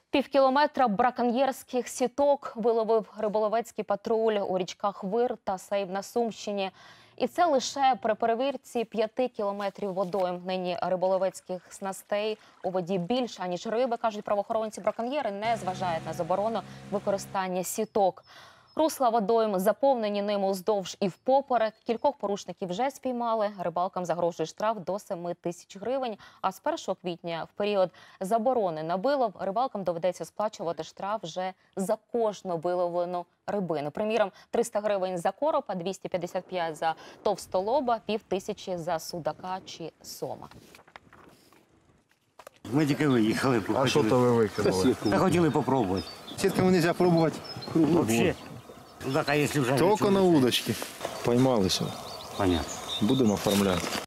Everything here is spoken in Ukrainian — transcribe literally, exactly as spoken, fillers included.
Півкілометра браконьєрських сіток виловив риболовецький патруль у річках Вир та Сейв на Сумщині. І це лише при перевірці п'яти кілометрів водойм. Нині риболовецьких снастей у воді більше, аніж риби, кажуть правоохоронці. Браконьєри не зважають на заборону використання сіток. Русла водойм заповнені ними уздовж і впоперек. Кількох порушників вже спіймали. Рибалкам загрожує штраф до семи тисяч гривень. А з першого квітня, в період заборони на вилов, рибалкам доведеться сплачувати штраф вже за кожну виловлену рибину. Приміром, триста гривень за коропа, двісті п'ятдесят п'ять за товстолоба, пів тисячі за судака чи сома. Ми тільки виїхали. А що то ви викинули? Та хотіли попробувати. Сетками нельзя пробовать круглый Взагалі, судака, якщо вже... Тільки на удочки. Поймалися. Понятно. Будемо оформляти.